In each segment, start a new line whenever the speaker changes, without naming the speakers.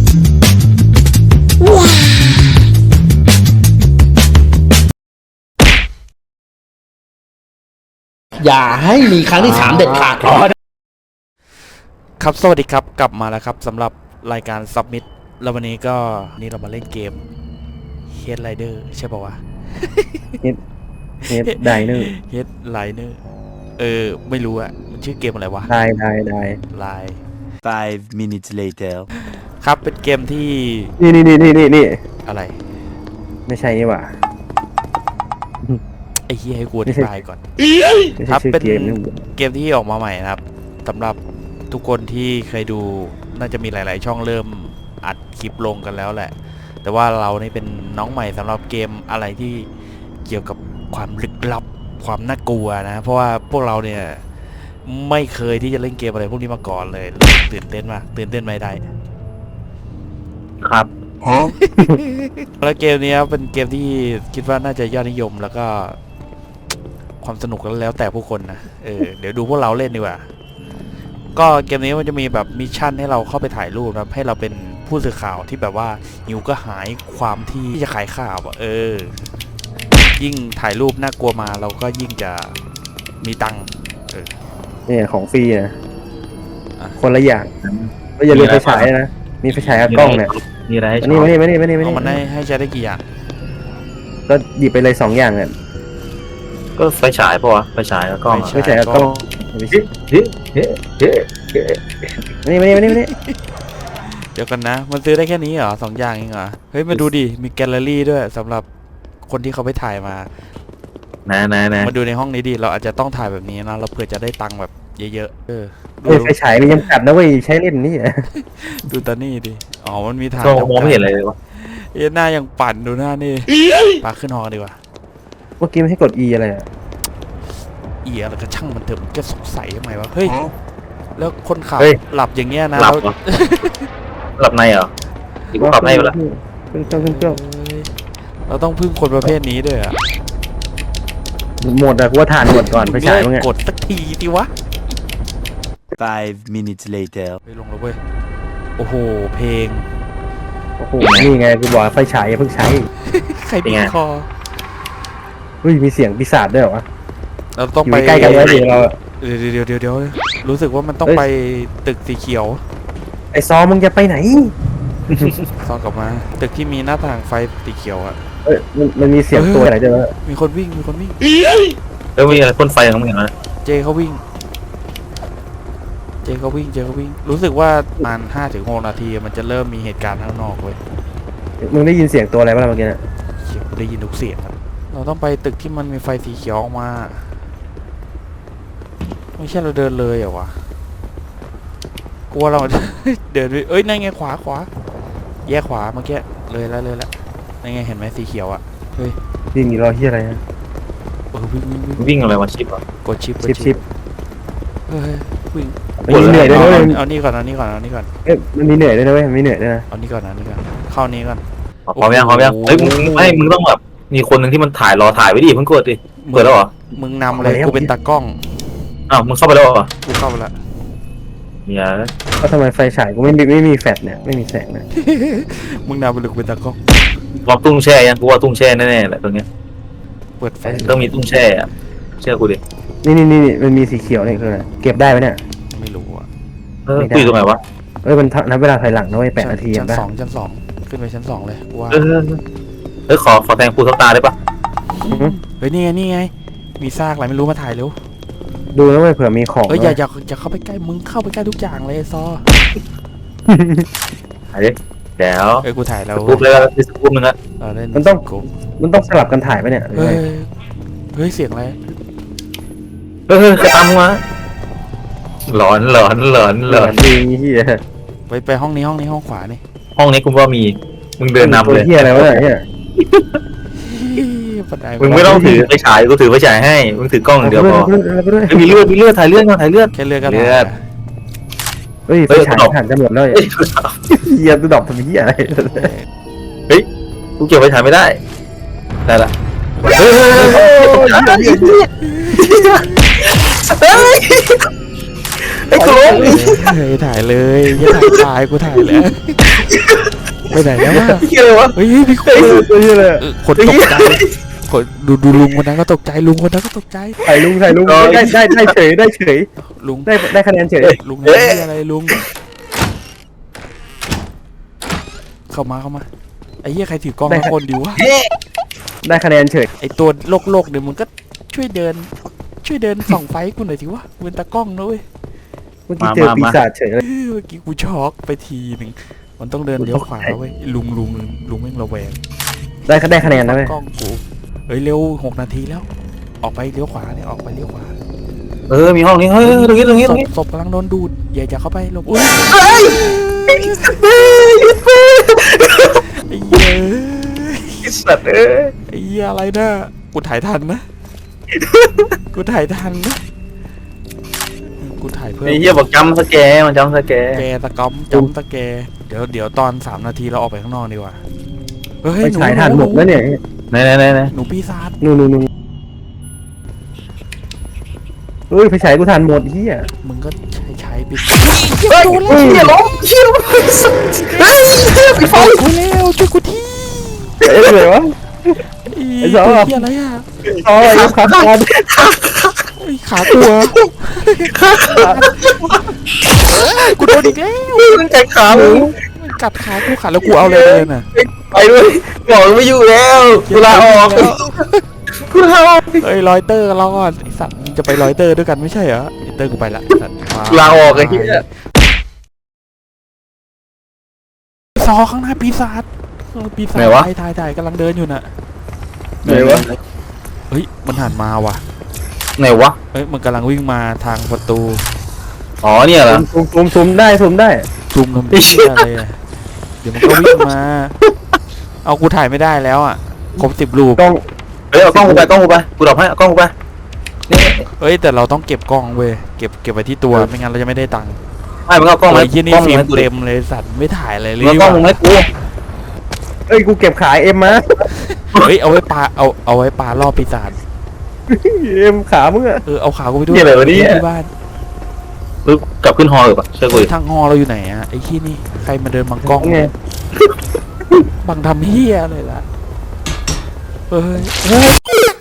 อย่าให้มีครั้งที่3เด็ดขาด
ครับสวัสดีครับกลับมาแล้วครับสำหรับรายการ Submit แล้ววันนี้ก็นี่เรามาเล่นเกม Head Rider ใช่ป่าววะ
Head Rider
Head Rider ไม่รู้อะมันชื่อเกมอะไรวะ
ได้
Line
5 minutes later
ครับเป็นเกมที่
นี่
อะไร
ไม่ใช่นี่หว่า
ไอ้เหี้ยให้กูอธิบายก่อน
ไม่
ครั
ใช่
บ
ชื่อ
เป็น
เกมนี่
เกมที่ออกมาใหม่นะครับสำหรับทุกคนที่เคยดูน่าจะมีหลาย ๆ ช่องเริ่มอัดคลิปลงกันแล้วแหละ แต่ว่าเรานี่เป็นน้องใหม่สำหรับเกมอะไรที่เกี่ยวกับความลึกลับความน่ากลัวนะเพราะว่าพวกเราเนี่ยไม่เคยที่จะเล่นเกมอะไรพวกนี้มาก่อนเลยตื่นเต้นมากตื่นเต้นไม่ได้
ครับ
แล้วเกมนี้เป็นเกมที่คิดว่าน่าจะยอดนิยมแล้วก็ความสนุกแล้วแต่ผู้คนนะเดี๋ยวดูพวกเราเล่นดีกว่าก็เกมนี้มันจะมีแบบมิชชั่นให้เราเข้าไปถ่ายรูปนะให้เราเป็นผู้สื่อข่าวที่แบบว่าหิวก็หายความที่จะขายข่าวยิ่งถ่ายรูปน่ากลัวมาเราก็ยิ่งจะมีตังค์
เนี่ยของฟรีนะ
อ่ะ
คนละอย่างก็อย่าลืมไฟฉายนะมีไฟฉายกับกล้องเนี่ย
มีอะไรให้
อันนี้มานี่
เอามันให้ใช้ได้กี่อย่าง
ก็หยิบไปเลย2อย่างเนี่ย
ก็ไฟฉายปะวะไฟฉายแล้วก็
ไฟฉายกับกล้อง
เฮ้
นี่
เดี๋ยวกันนะมันซื้อได้แค่นี้เหรอ2 อย่างเองเหรอเฮ้ยมาดูดิมีแกลเลอรี่ด้วยสำหรับคนที่เขาไปถ่ายมามาดูในห้องนี้ดิเราอาจจะต้องถ่ายแบบนี้นะเราเผื่อจะได้ตังค์แบบเยอะๆ
ไฟฉายมีจำกัดนะเว้ยใช้เล่นนี่
ดูตานี่ดิอ๋อมันมีถ่าย
มองไม่เห็นอะไรเลยวะ
หน้ายังปั่นดูหน้านี่ปาขึ้นหอดีกว่า
เมื่อกี้ไม่ให้กด E อะไรอ่ะ
อะไรก็ช่างมันเถอะมันจะสงสัยทำไมวะเฮ้ยแล้วคนขับหลับอย่างเงี้ยนะ
หลับเหรอหลับในเหรออีกหลับในไปละ
ขึ้นเครื่อง
เราต้องพึ่งคนประเภทนี้ด้วยอะ
หมดอะกูว่าทานหมดก่อนไฟฉายมึงไง
กดสักทีดิวะ
5 minutes later
ไปลงแล้วเว้ยโอ้โหเพลง
โอ้โหนี่ไงกูบอกไฟฉายอย่าเพิ่งใช้
ใครบีบคอ
เฮ้ยมีเสียงปีศาจด้วยเหรอวะ
เราต้อง
อยู่
ไป
ใกล้กันแล้วเดี๋ยวเรา
เดี๋ยวรู้สึกว่ามันต้องไปตึกสีเขียว
ไอ้ซอมึงจะไปไหน
ซ้อนกลับมาตึกที่มีหน้าต่างไฟสีเขียวอะ
เอ้ยมันมีเสียงตัวอะไรด้วยวะ
มีคนวิ่ง
แล้วมีอะไรพ่นไฟของมึงเห็นไหม
เจเขาวิ่ง รู้สึกว่าประมาณ5-6 นาทีมันจะเริ่มมีเหตุการณ์ข้างนอกเว้ย
มึงได้ยินเสียงตัวอะไรบ้างเมื่อกี้น่ะ
เสียงได้ยินทุกเสียงครับเราต้องไปตึกที่มันมีไฟสีเขียวออกมาไม่ใช่เราเดินเลยเหรอวะกลัวเรา เดินไปนั่นไงขวาแยกขวาเมื่อกี้เลยแล้วนั่นไงเห็นไหมสีเขียวอะเฮ้ย
วิ่งมีรอยที่อะไรนะ
วิ่ง
วิ่งอะไรวะชิปอ่ะ
กดชิป
ชิป
เฮ้ยวิ่ง
มันมีเหนื่อยด้วยนะเว้ย
เอานี่ก่อน
เอ้ยมันมีเหนื่อยด้วยนะเว้ยมีเหนื่อยด้วยนะ
เอานี่ก่อนเข้านี้ก่อน
พร้อมยังเฮ้ยมึงต้องแบบมีคนหนึ่งที่มันถ่ายรอถ่ายไว้ดิเพิ่งกดดิเปิดแล้วเหรอ
มึงนำเลยกูเป็นตากล้อง
อ้าวมึงเข้าไปแล้วเหรอ
กูเข้าไปละ
เนี่ย
ก็ทำไมไฟฉายกูไม่มีแฟลชเนี่ยไม่มีแสงนะ
มึงนำไปเลยกูเป็นตากล้อง
ลองตุ้งแช่ยังกูว่าตุ้งแช่แน่ๆแหละตรงเนี้ย
เปิดไฟ
ต้องมีตุ้งแช่อะเชื่อกูดิ
นี่มันมีสีเขียวนี่คืออะไรเก็บได้ไหมเนี่ย
ไม่รู้อะ
กูอยู่ตรงไหนวะ
เอ้ยมันนับเวลาถอยหลังนะเว้ย8 นาที
ชั้น
ป่ะ
ชั้นสองขึ้นไปชั้น 2เลยกูว่า
ขอแทงปูทับตาได้ปะ
เฮ้ยนี่ไงมีซากอะไรไม่รู้มาถ่ายเร็ว
ดูนะเว้ยเผื่อมีของ
อย่าเข้าไปใกล้มึงเข้าไปใกล้ทุกอย่างเลยไอ้ซอ
ถ่ายดิเดี๋ยว
กูถ่ายแล้ว
ปุ๊บเลยแล้วสปุ๊บนึงอะ
เล่น
มันต้องสลับกันถ่ายปะเนี่ย
เฮ้ยเสียงอะไร
ใครตามมึงมาหลอน
ดีเฮีย
ไปห้องนี้ห้องขวานี่
ห้องนี้คุณว่ามีมึงเดินนำเลย
เฮียอะไรวะเนี่ย
มึงไม่ต้องถือไฟฉายกูถือไฟฉายให้มึงถือกล้องอย่างเดียวพอมีเลือดถ่ายเลือดก่อนถ่ายเลือด
แค่เลือกกัน
เฮ้ยไฟฉายถ่านจะหมดแล้วเฮียตัวดอกทำเฮียอะไร
กูเก็บไฟฉายไม่ได้ละไอ้กูล้ม
ถ่ายเลยอย่าถ่ายกูถ่ายแล้วไปไหนแล้ววะ
เหี้ยอะไรวะ
เฮ้ยมีคน
เฮ้ยเลย
คนตกใจคนดูลุงคนนั้นก็ตกใจลุงคนนั้นก็ตกใจ
ถ่ายลุงได้เฉยได้เฉย
ลุง
ได้คะแนนเฉย
ลุงนี่อะไรลุงเข้ามาไอ้เหี้ยใครถือกล้องมาคนดีวะ
ได้คะแนนเฉย
ไอ้ตัวโลกเนี่ยมึงก็ช่วยเดินส่องไฟกูหน่อยสิวะเป็นตากล้องนะเว้ย
เมื่อกี้เจอปีศาจเฉยเลย
เมื่อกี้กูช็อกไปทีหนึ่งมันต้องเดินเลี้ยวขวาเว้ยลุงแม่งระแวง
ได้คะแนนนะเว้ย
กล้องกูเฮ้ยเร็ว6 นาทีแล้ว ออกไปเลี้ยวขวาเนี่ยออกไปเลี้ยวขวา
มีห้องนี้เฮ้ยตรงนี้
ศพกำลังโดนดูดอย่าเข้าไปหลบอุ้ยไอ้เหี้ย
ไอ้สัตว์เอ้ย
ไอ้เหี้ยอะไรนะกูถ่ายทันนะกูถ่ายเพื่อ
ไอ้เหี้ยบอกจำสแกมันจำสแก
แกตะก้อมจำตะแกเดี๋ยวตอน3 นาทีเราออกไปข้างนอกดีกว่าเฮ้
ไปฉายถ่านหมดแล้วเนี่ย
ไหน
หนูปีศาจ
นู่นเฮ้ยไปฉายกูถ่านหมดเฮีย
มึงก็ใช้ปี
เฮ้ยเฮียล้มเฮีย
เฮ้ยไปฟังกูแล้วช่วยกูที
เอ้ยเลยวะ ไอ้สอง
ตัวเหี้ยอะไรอ่ะ
อ๋อไอ้ขาขาด
ไอ้ขาตัวกูโดนอีกแล้ว
มึงใจขามึง
มันกัดขากูขาดแล้วกูเอาอะไรเลยน่ะ
ไปด้วยบอกไม่อยู่แล้วกูลาออกกูลาออก
เฮ้ยรอยเตอร์เราก่อนไอ้สัตว์มึงจะไปรอยเตอร์ด้วยกันไม่ใช่เหรอไอ้เตอร์กูไปละไอ้สัตว์
กูลาออกไอ้เหี้ย
ซอข้างหน้าปีศาจถ่ายกำลังเดินอยู่น่ะ
ไหนวะ
เฮ้ยมันหันมาว่ะ
ไหนวะ
เฮ้ยมันกำลังวิ่งมาทางประตู
อ๋อเนี่ยเหรอ
ซูมได้
ซูมทำเหี้ยอะไรอะเดี๋ยวมันก็วิ่งมาเอากูถ่ายไม่ได้แล้วอ่ะครบ10 รูป
กล้อง
เฮ้ยเอากล้องกูไปกูดรอปให้เอากล้องกูไปนี่
เอ้ยแต่เราต้องเก็บกล้องเว้ยเก็บไว้ที่ตัวไม่งั้นเราจะไม่ได้ตังค์
ไม่มึงเอากล้อง
ไอ้
มา
ยี่นี่
กล้อง
ฟิล์ม
ให้กูดิ
เต็มเลยสัตว์ไม่ถ่ายอะไรเลย
มึงเอากล้องมึงให้กู
เอ้ยกูเก็บขายเอ็มมา
เฮ้ยเอาไว้ปลาเอาไว้ปลาล่อปีศาจ
เอ็มขามึงอะ
เอาขากูไปด้วย
นี่อะไรวะเนี่ย
ที่บ้าน
ปึ๊บกลับขึ้นฮอลเลยปะเชื่อกูดิ
ทางฮอเราอยู่ไหนอะไอ้ขี้นี่ใครมาเดินบังกล้อง
ไง
บังทำเฮียอะไรล่ะเฮ้ยเฮ้ย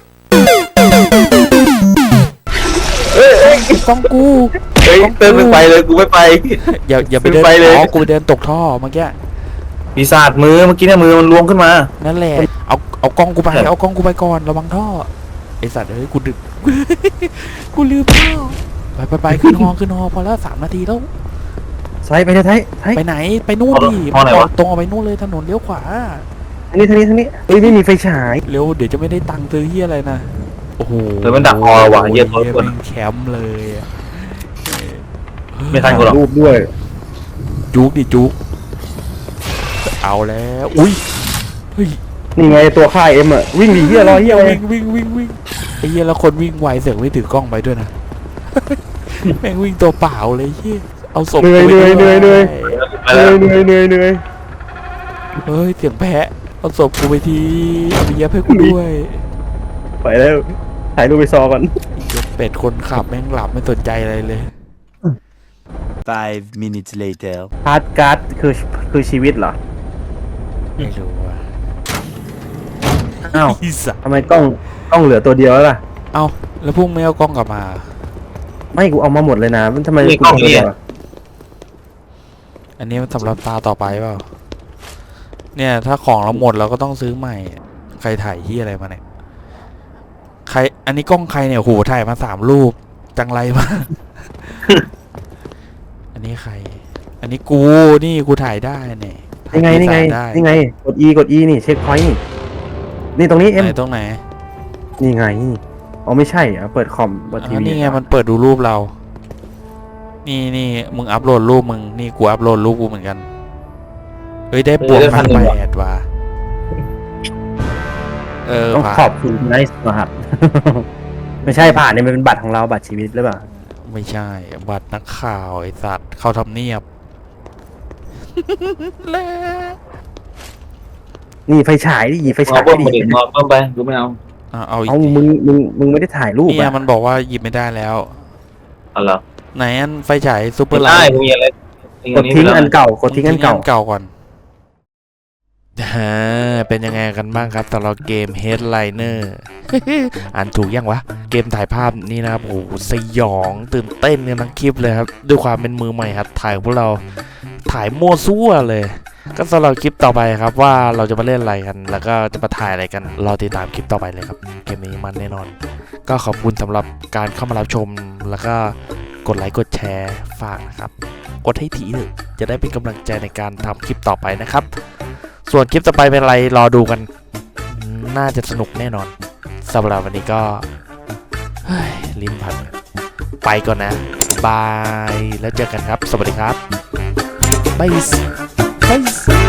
เอ้ย
กล้องกู
เฮ้ยเติมไม่ไปเลยกูไม่ไป
อย่าไปเดิน
ไปเลย
อ๋อกูไปเดินตกท่อเมื่อกี้
ปีศาจมือเมื่อกี้เนี่ยมือมันล้วงขึ้นมา
นั่นแหละเอากล้องกูไป
ครับ
เอากล้องกูไปก่อนระวังท่อไอสัตว์เฮ้ยกูดึก กูลืมท่อไปขึ้นฮอพอแล้ว3 นาทีแล้ว
ไซไปไทย
ไปไหนไปนู่นดิ
ฮอไหนวะ
ตรงเอาไปนู่นเลยถนนเลี้ยวขวา
ทางนี้เฮ้ยไม่มีไฟฉาย
เร็วเดี๋ยวจะไม่ได้ตังค์ซื้อเฮียอะไรนะโอ้โห
เดี๋ยวมันดักฮอว่ะเหี้ยโทษคน
แม่งแคมป์เลยอะ
ไม่ทันกูหรอก
รูปด้วย
จุกดิจุกเอาแล้วอุ้ยเฮ้ย
นี่ไงตัวค่ายเอ็มอะวิ่งดีเฮียรอเฮียเลย
วิ่งไอ้เฮียแล้วคนวิ่งไวเสือกไม่ถือกล้องไปด้วยนะ แม่งวิ่งตัวเปล่าเลยเฮียเอาศพ
เหนื่อย
ไปด้วย
เหนื่อย
ไปแล้ว
เฮ้ยเสียงแพะเอาศพกูไปทีเอาไปเย็บให้กูด้วย
ไปแล้วถ่ายรูปไปซอก่อน
ไอ้เหี้ยเป็ดคนขับแม่งหลับไม่สนใจอะไรเลย
5 minutes later.
พาร์ทการ์ดคือชีวิตเหรอ
ไม่รู้ว่ะ
อ้าว
อีสัส
ทำไมกล้องเหลือตัวเดียวแล้วล่ะ
เอาแล้วพวกไม่เอากล้องกลับมา
ไม่กูเอามาหมดเลยนะมันทำไม
นี่
กู
กล้อง
ตัว
นี่
เดียว
อันนี้มันสำหรับตาต่อไปเปล่าเนี่ยถ้าของเราหมดเราก็ต้องซื้อใหม่ ใครถ่ายที่อะไรมาเนี่ยใครอันนี้กล้องใครเนี่ยโหถ่ายมา3 รูปจังไรมาก อันนี้ใคร อันนี้กูนี่กูถ่ายได้เนี่ยถ่า
นี่ไง
ปีศาจได้
กด E นี่เช็คพอยต์นี่ตรงนี้เอ็ม
ไหนตรงไหน
นี่ไงอ๋อไม่ใช่อ่ะเปิดคอมเปิดที
อ๋อ
วี
นี่ไงมันเปิดดูรูปเรา นี่มึงอัพโหลดรูปมึงนี่กูอัพโหลดรูปกูเหมือนกันเฮ้ยได้บวกมา8ว่ะ
ต้อง
ผ่าน
ขอบคุณไนส์รหัส ไม่ใช่ผ่านเนี่ยมันเป็นบัตรของเราบัตรชีวิตหรือเปล่า
ไม่ใช่บัตรนักข่าวไอ้สัตว์เข้าทำเนียบ แล้ว
นี่ไฟฉายดิไฟ
เอา
ฉาย
เพิ่ม
ดิ
มาดินอนเพิ่มไปกูไม่เอา
เอาอีก
เอา
ดิ
มึงไม่ได้ถ่ายรูป
เนี่ย
อ่ะ
มันบอกว่าหยิบไม่ได้แล้ว
เอาเหรอ
ไหนอันไฟฉายซูเปอ
ไม่
ร์ไล
ได้
ท์
กูมีอะไร
กดทิ้งอันเก่ากดทิ้งอันเก่า
เก่าก่อนเป็นยังไงกันบ้างครับสำหรับเกม Headliner อ่านถูกยังวะ เกมถ่ายภาพนี่นะครับโอ้โหสยองตื่นเต้นกันทั้งคลิปเลยครับด้วยความเป็นมือใหม่ครับถ่ายของพวกเราถ่ายมั่วซั่วเลย ก็สำหรับคลิปต่อไปครับว่าเราจะมาเล่นอะไรกัน แล้วก็จะมาถ่ายอะไรกันรอติดตามคลิปต่อไปเลยครับเกมนี้มันแน่นอน ก็ขอบคุณสำหรับการเข้ามารับชมแล้วก็กดไลค์กดแชร์ฝากนะครับกดให้ถี่เลยจะได้เป็นกำลังใจในการทำคลิปต่อไปนะครับส่วนคลิปต่อไปเป็นอะไรรอดูกันน่าจะสนุกแน่นอนสำหรับวันนี้ก็ลิ้นพันไปก่อนนะบายแล้วเจอกันครับสวัสดีครับบาย